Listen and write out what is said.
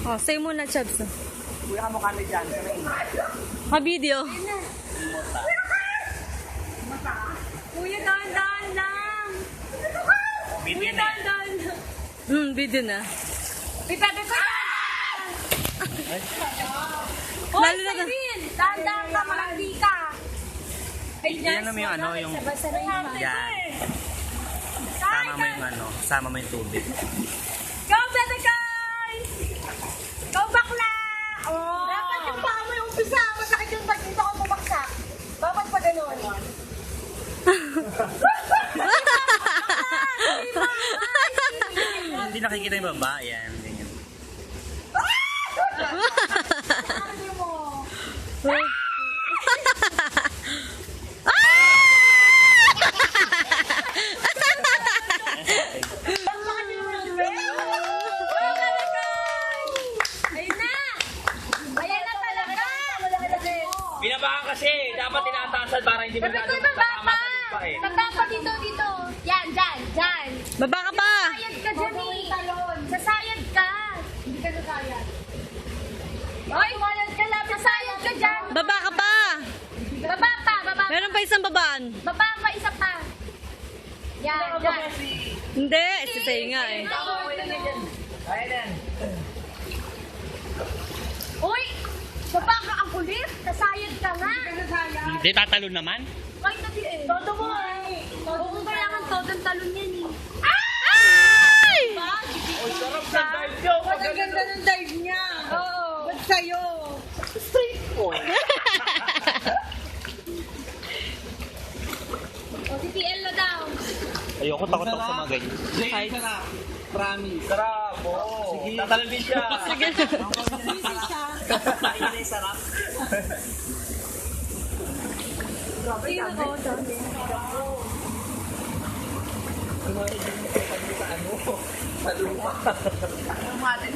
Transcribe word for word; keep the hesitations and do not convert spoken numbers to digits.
Oh, say muna, Chubbs. Kuya ka mukha na dyan. Ha-video. Kuya, dahan-dahan lang. Kuya, dahan-dahan lang. Hmm, video na. Pita, pita! Hoy, Lalo na- Cyril! Dahan-dahan ka, malandi ka. Ay, Yan naman yung ano, yung... Yan. Sama mo yung ano, sama mo yung tubig. Go, Bebe guys! Go, bakla! Oh. Dapat yung paa mo yung umpisa. Masakit yung pag dito ako bumagsak. Dapat pa ganun. Hindi nakikita yung baba. Yan, ganyan. Sabi mo. Ayun na! Ayan na talaga! Binabahan kasi. Dapat tinataasan para hindi Sabi ko, masyadong baba tatama pa! sa lupa eh. Baba pa dito, dito. Yan, dyan, dyan. Baba ka pa! Sasayad ka dyan eh. Sasayad ka. Hindi ka nasayad. Oy, ka lang. Sasayad ka dyan. Baba ka pa! Baba pa, baba pa. Meron pa isang babaan. Baba pa, isa pa. Yan, dyan. Hindi, si Say nga eh. Ayan. Uy! Baba ka ang kulit. Sasayad ka nga. Hindi, tatalo naman. Kahit na di eh. Todo mo eh. Oo, kailangan todong talon yan eh. Ay! Oy, sarap sa dive nyo. Ang ganda ng dive niya. Oo. Ba't sa'yo? O, si P L na daw. Ayoko, takot ako sa mga ganyan. Jay, sarap. Promise. Sarap. Oo. Sige. Tatalon din siya. Sige. Ayun ay sarap. Ayun ako. Sa ano? Sa lupa.